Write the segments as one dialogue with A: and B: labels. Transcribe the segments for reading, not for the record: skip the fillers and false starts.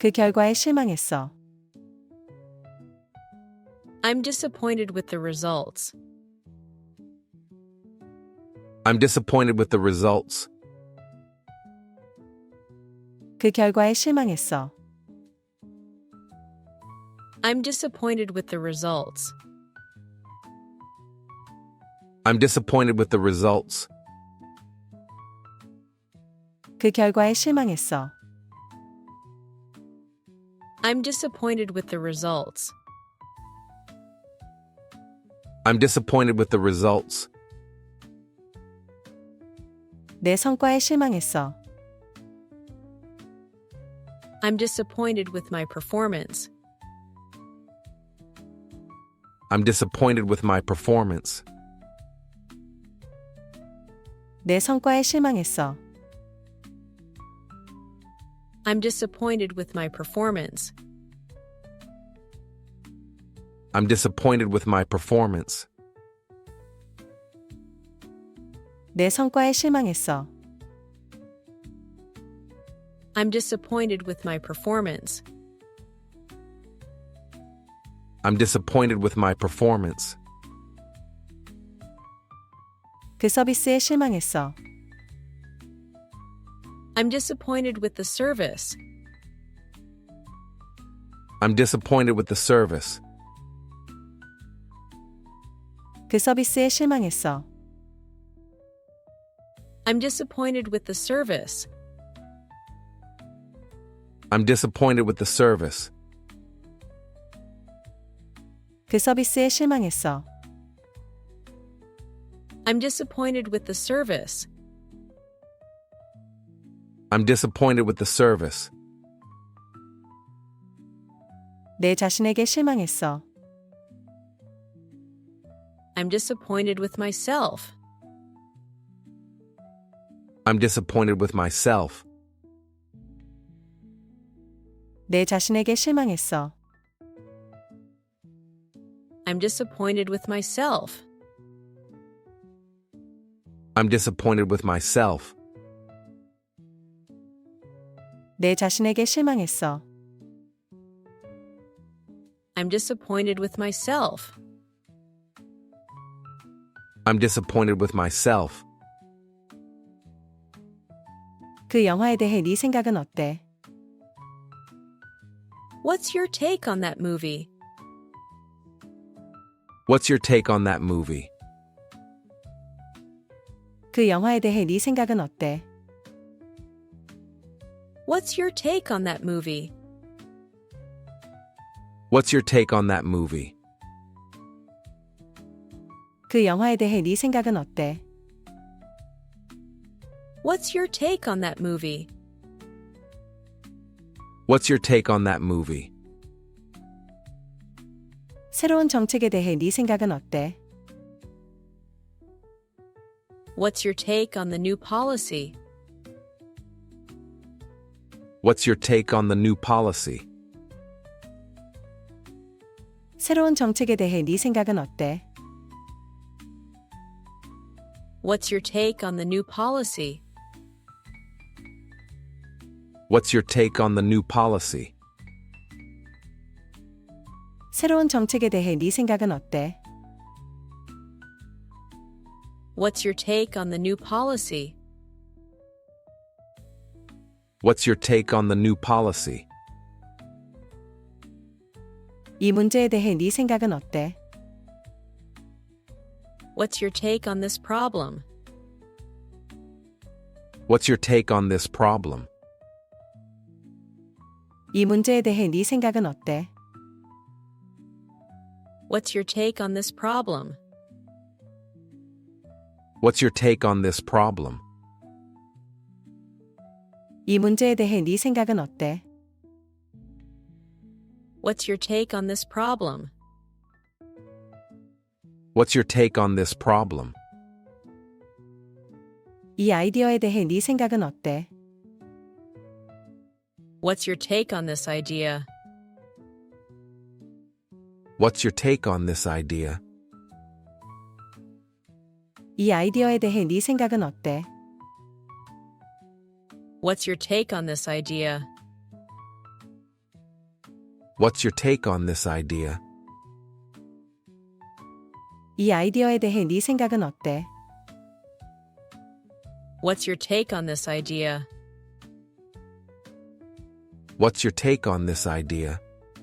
A: 그 결과에 실망했어.
B: I'm disappointed with the results.
C: I'm disappointed with the results.
A: 그 결과에 실망했어.
B: I'm disappointed with the results.
C: I'm disappointed with the results.
A: 그 결과에 실망했어.
B: I'm disappointed with the results.
C: I'm disappointed with the results.
A: 내 성과에 실망했어.
B: I'm disappointed with my performance.
C: I'm disappointed with my performance.
A: 내 성과에 실망했어.
B: I'm disappointed with my performance.
C: I'm disappointed with my performance.
A: 내 성과에 실망했어.
B: I'm disappointed with my performance.
C: I'm disappointed with my performance.
A: 그 서비스에 실망했어.
B: I'm disappointed with the service.
C: I'm disappointed with the service.
A: 그 서비스에 실망했어.
B: I'm disappointed with the service.
C: I'm disappointed with the service.
A: 그 서비스에 실망했어.
B: I'm disappointed with the service.
C: I'm disappointed with the service.
A: 내 자신에게 실망했어.
B: I'm disappointed with myself.
C: I'm disappointed with myself.
A: 내 자신에게 실망했어.
B: I'm disappointed with myself.
C: I'm disappointed with myself.
A: 내 자신에게 실망했어.
B: I'm disappointed with myself.
C: I'm disappointed with myself.
A: 그 영화에 대해 네 생각은 어때?
B: What's your take on that movie?
C: What's your take on that movie?
A: 그 영화에 대해 네 생각은 어때?
B: What's your take on that movie?
C: What's your take on that movie?
A: 그 영화에 대해 네 생각은 어때?
B: What's your take on that movie?
C: What's your take on that movie?
A: 새로운 정책에 대해 네 생각은 어때?
B: What's your take on the new policy?
C: What's your take on the new policy?
A: 새로운 정책에 대해 네 생각은 어때?
B: What's your take on the new policy?
C: What's your take on the new policy?
A: 새로운 정책에 대해 네 생각은 어때?
B: What's your take on the new policy?
C: What's your take on the new policy?
A: 이 문제에 대해 네 생각은 어때?
B: What's your take on this problem?
C: What's your take on this problem?
A: 이 문제에 대해 네 생각은 어때?
B: What's your take on this problem?
C: What's your take on this problem?
A: 이 문제에 대해 네 생각은 어때?
B: What's your take on this problem?
C: What's your take on this problem?
A: 이 아이디어에 대해 네 생각은 어때?
B: What's your take on this idea?
C: What's your take on this idea?
A: 이 아이디어에 대해 네 생각은 어때?
B: What's your take on this idea?
C: What's your take on this idea?
A: 이 아이디어에 대해 네 생각은 어때?
B: What's your take on this idea?
C: What's your take on this idea?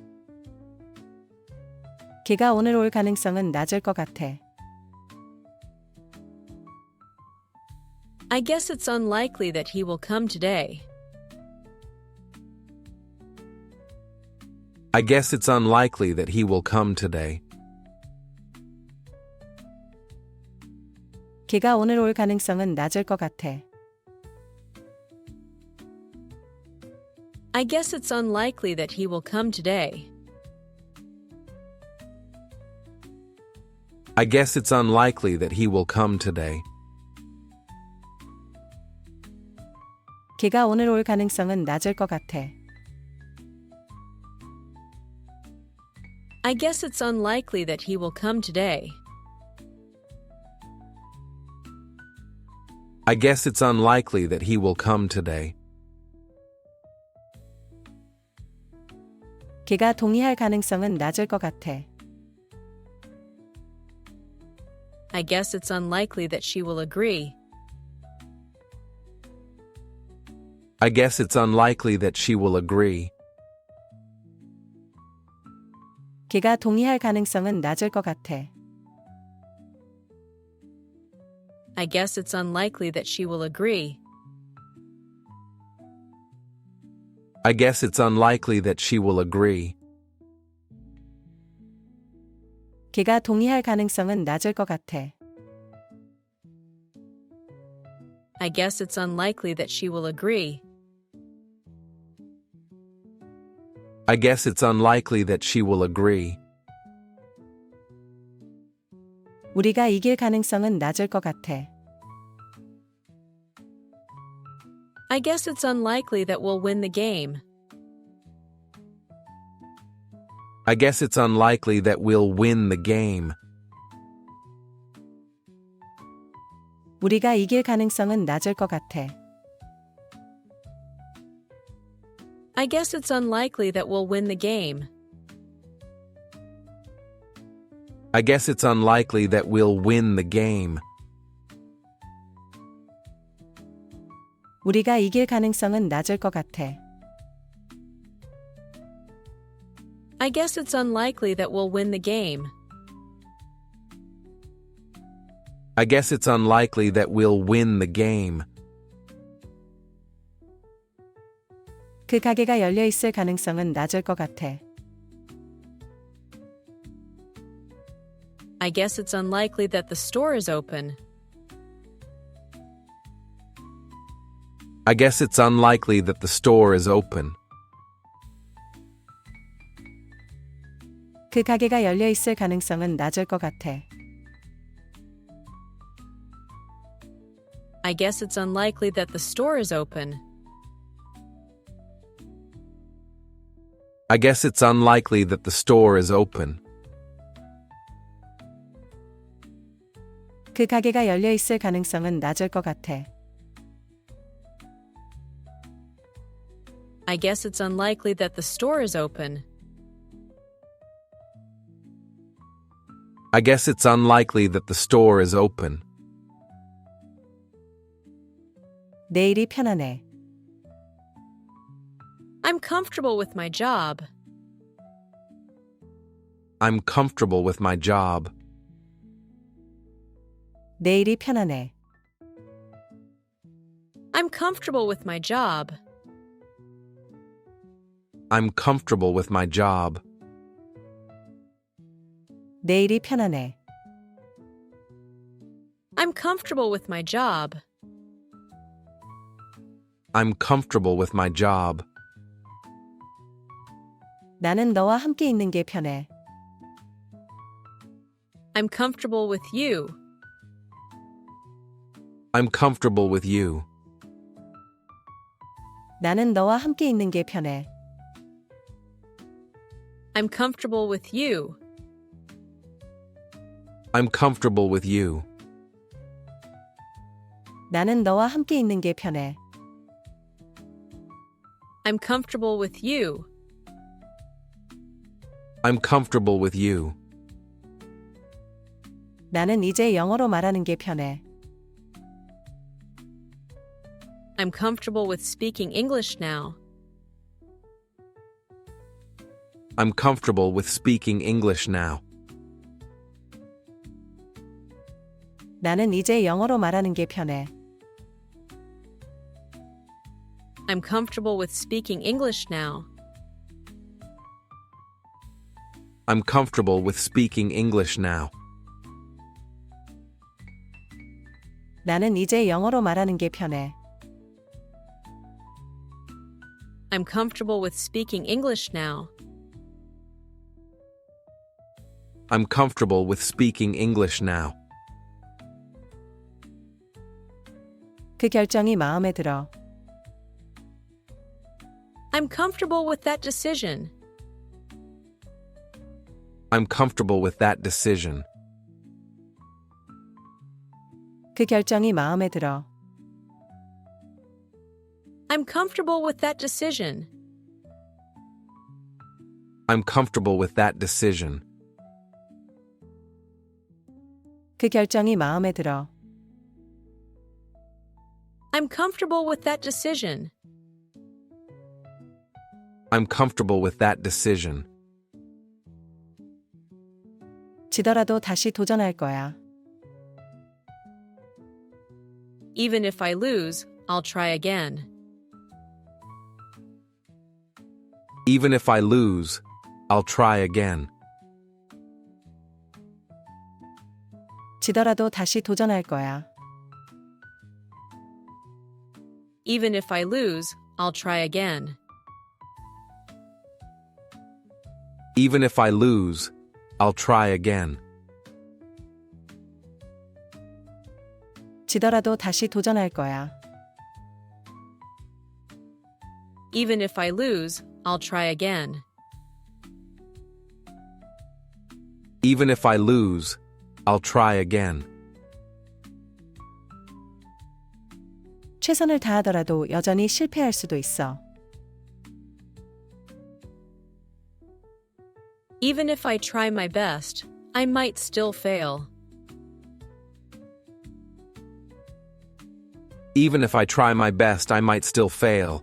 A: 걔가 오늘 올 가능성은 낮을 것 같아.
B: I guess it's unlikely that he will come today.
C: I guess it's unlikely that he will come today.
A: 걔가 오늘 올 가능성은 낮을 것 같아.
B: I guess it's unlikely that he will come today.
C: I guess it's unlikely that he will come today.
A: 걔가 오늘 올 가능성은 낮을 것 같아.
B: I guess it's unlikely that he will come today.
C: I guess it's unlikely that he will come today.
A: 걔가 동의할 가능성은 낮을 것 같아.
B: I guess it's unlikely that she will agree.
C: I guess it's unlikely that she will agree.
A: 걔가 동의할 가능성은 낮을 것 같아.
B: I guess it's unlikely that she will agree.
C: I guess it's unlikely that she will agree.
A: 걔가 동의할 가능성은 낮을 것 같아.
B: I guess it's unlikely that she will agree.
C: I guess it's unlikely that she will agree.
A: 우리가 이길 가능성은 낮을 것 같아.
B: I guess it's unlikely that we'll win the game.
C: I guess it's unlikely that we'll win the game.
A: 우리가 이길 가능성은 낮을 것 같아.
B: I guess it's unlikely that we'll win the game.
C: I guess it's unlikely that we'll win the game.
A: 우리가 이길 가능성은 낮을 것 같아.
B: I guess it's unlikely that we'll win the game.
C: I guess it's unlikely that we'll win the game.
A: 그 가게가 열려 있을 가능성은 낮을 것 같아.
B: I guess it's unlikely that the store is open.
C: I guess it's unlikely that the store is open.
A: 그 가게가 열려 있을 가능성은 낮을 것 같아.
B: I guess it's unlikely that the store is open.
C: I guess it's unlikely that the store is open.
A: 그 가게가 열려 있을 가능성은 낮을 것 같아.
B: I guess it's unlikely that the store is open.
C: I guess it's unlikely that the store is open.
A: 내일이 편하네.
B: I'm comfortable with my job.
C: I'm comfortable with my job.
A: 내일이 편하네.
B: I'm comfortable with my job.
C: I'm comfortable with my job.
A: 내일이 편하네.
B: I'm comfortable with my job.
C: I'm comfortable with my job.
A: 나는 너와 함께 있는 게 편해.
B: I'm comfortable with you.
C: I'm comfortable with you.
A: 나는 너와 함께 있는 게 편해.
B: I'm comfortable with you.
C: I'm comfortable with you.
A: 나는 너와 함께 있는 게 편해.
B: I'm comfortable with you.
C: I'm comfortable with you.
A: 나는 이제 영어로 말하는 게 편해.
B: I'm comfortable with speaking English now.
C: I'm comfortable with speaking English now.
A: 나는 이제 영어로 말하는 게 편해.
B: I'm comfortable with speaking English now.
C: I'm comfortable with speaking English now.
A: 나는 이제 영어로 말하는 게 편해.
B: I'm comfortable with speaking English now.
C: I'm comfortable with speaking English now.
A: 그 결정이 마음에 들어.
B: I'm comfortable with that decision.
C: I'm comfortable with that decision.
A: 그 결정이 마음에 들어.
B: I'm comfortable with that decision.
C: I'm comfortable with that decision.
A: 그 결정이 마음에 들어.
B: I'm comfortable with that decision.
C: I'm comfortable with that decision.
A: 지더라도 다시 도전할 거야.
B: Even if I lose, I'll try again.
C: Even if I lose, I'll try again.
A: 지더라도 다시 도전할 거야.
B: Even if I lose, I'll try again.
C: Even if I lose, I'll try again.
A: 지더라도 다시 도전할 거야.
B: Even if I lose, I'll try again.
C: Even if I lose, I'll try again.
A: 최선을 다하더라도 여전히 실패할 수도 있어.
B: Even if I try my best, I might still fail.
C: Even if I try my best, I might still fail.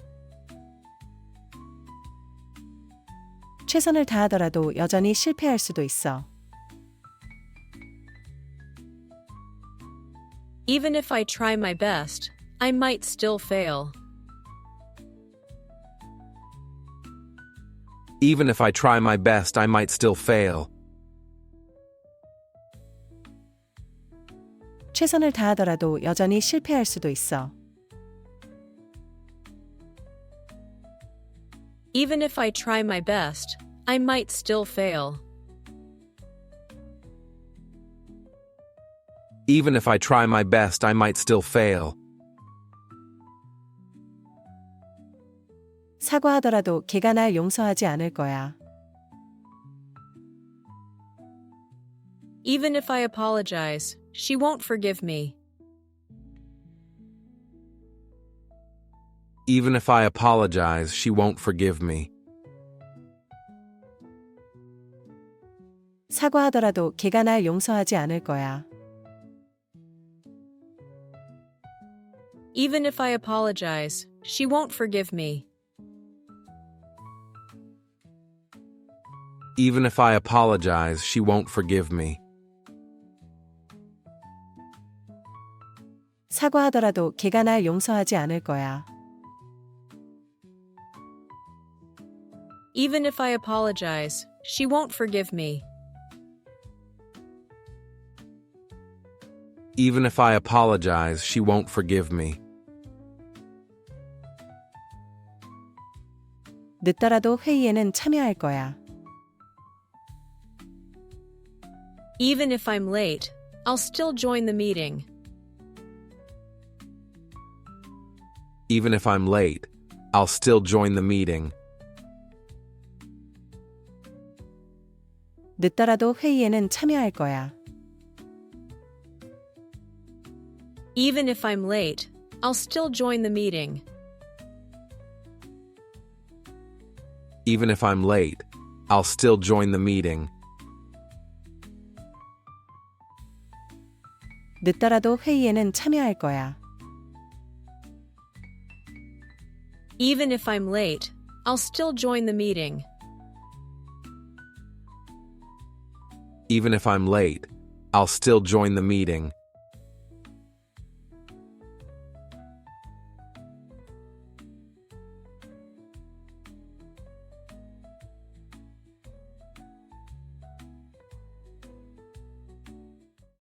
A: 최선을 다하더라도 여전히 실패할 수도 있어.
B: Even if I try my best, I might still fail.
C: Even if I try my best, I might still fail.
A: 최선을 다하더라도 여전히 실패할 수도 있어.
B: Even if I try my best, I might still fail.
C: Even if I try my best, I might still fail.
A: 사과하더라도 걔가 날 용서하지 않을 거야.
B: Even if I apologize, she won't forgive me.
C: Even if I apologize, she won't forgive me.
A: 사과하더라도 걔가 날 용서하지 않을 거야.
B: Even if I apologize, she won't forgive me.
C: Even if I apologize, she won't forgive me.
A: 사과하더라도 걔가 날 용서하지 않을 거야.
B: Even if I apologize, she won't forgive me.
C: Even if I apologize, she won't forgive me.
A: 늦더라도 회의에는 참여할 거야.
B: Even if I'm late, I'll still join the meeting.
C: Even if I'm late, I'll still join the meeting.
A: 늦더라도 회의에는 참여할 거야.
B: Even if I'm late, I'll still join the meeting.
C: Even if I'm late, I'll still join the meeting.
A: 늦더라도 회의에는 참여할 거야.
B: Even if I'm late, I'll still join the meeting.
C: Even if I'm late, I'll still join the meeting.